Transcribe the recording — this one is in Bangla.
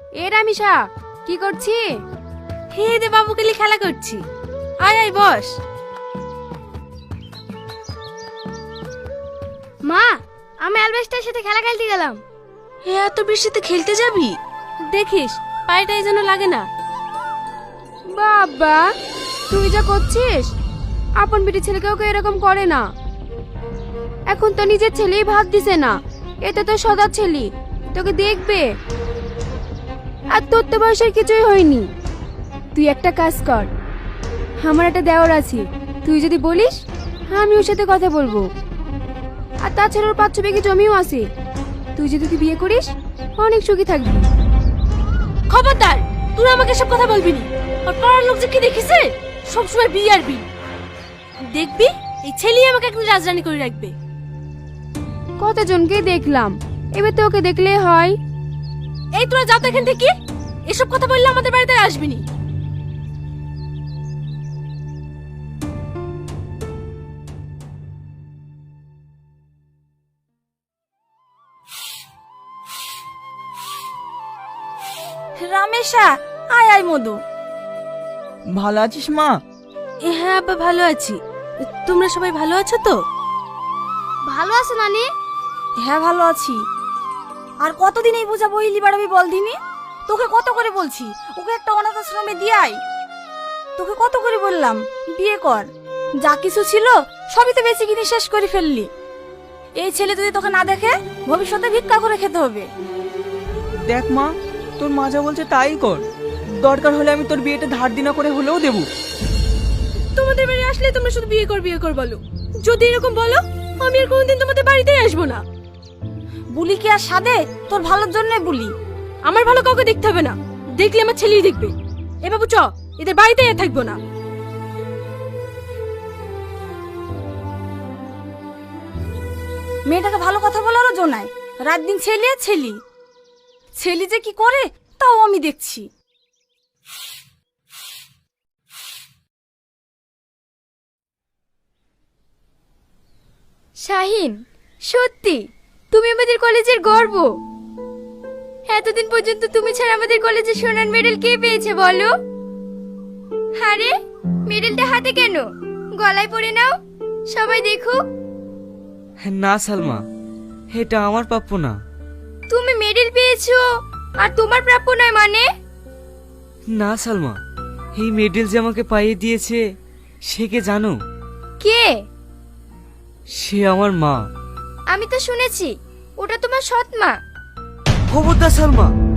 এ রামিসা, কি করছি? হে দে বাবুকে নিয়ে খেলা করছি। আয় আয় বস। মা, আমি অ্যালবেস্টার সাথে খেলা খেলতে গেলাম। হে এত বৃষ্টিতে খেলতে যাবি? দেখিস পায়েটাই যেন লাগে না। বাবা, তুই যা করছিস, আপন বেটি ছেলেকেও কেউ এরকম করে না। এখন তো নিজের ছেলেই ভাত দিছে না, এটা তো সদা ছেলে, তোকে দেখবে। আর তোর তো বয়সের কিছুই হয়নি। তুই একটা কাজ কর, আমার একটা দেওর আছে, তুই যদি বলিস আমি ওর সাথে কথা বলবো। আর তাছাড়া ওর 5-6 বিঘে জমিও আছে, তুই যদি তুই বিয়ে করিস অনেক সুখী থাকবি। খবরদার, তুই আমাকে সব কথা বলবি না। আর পাড়ার লোক যে কি দেখিছে, সবসময় বিয়ে আর বিয়ে। দেখবি এই ছেলেই আমাকে একদিন রাজরানী করে রাখবে। কতজনকে দেখলাম, এবার তো ওকে দেখলেই হয়। এই তোরা যা তো এখান থেকে। এসব কথা বললে আমাদের বাড়িতে আর আসবি না। রামেশা, আয় আয় মধু। ভালো আছিস মা? হ্যাঁ আব্বা, ভালো আছি। তোমরা সবাই ভালো আছো তো? ভালো আছে নানি? হ্যাঁ ভালো আছি। আর কতদিন এই বোঝা বইলি বাড়াবি বল দিনি? তোকে কত করে বলছি ওকে একটা অনাথ আশ্রমে দিয়ে আয়। তোকে কত করে বললাম বিয়ে কর। যা কিছু ছিল সবই তো বেশি কিনে শেষ করে ফেললি। এই ছেলে যদি তোকে না দেখে ভবিষ্যতে ভিক্ষা করে খেতে হবে। দেখ মা, তোর মা যা বলছে তাই কর। দরকার হলে আমি তোর বিয়েটা ধার দিনা করে হলেও দেবো। তোমাদের বাড়ি আসলে তোমরা শুধু বিয়ে কর বলো। যদি এরকম বলো আমি আর কোনোদিন তোমাদের বাড়িতেই আসবো না। বুলি কি আর সাদে? তোর ভালোর জন্য বুলি। আমার ভালো কাউকে দেখতে হবে না, দেখলে আমার ছেলেই দেখবে। এ বাবু চ, এদের বাড়িতেই আর থাকবো না। মেয়েটাকে ভালো কথা বলারও জো নাই। রাত দিন ছেলে আর ছেলি। ছেলি যে কি করে তাও আমি দেখছি। শাহিন, সত্যি তুমি আমাদের কলেজের গর্ব। এতদিন পর্যন্ত তুমি ছাড়া আমাদের কলেজে সোনার মেডেল কে পেয়েছে বলো? আরে মেডেলটা হাতে কেন, গলায় পরে নাও, সবাই দেখুক। না সালমা, এটা আমার প্রাপ্য না। তুমি মেডেল পেয়েছো আর তোমার প্রাপ্য নয় মানে? না সালমা, এই মেডেল যে আমাকে পাইয়ে দিয়েছে সে কে জানো? কে? সে আমার মা। আমি তো শুনেছি ওটা তোমার সৎ মা। খবরদার সালমা,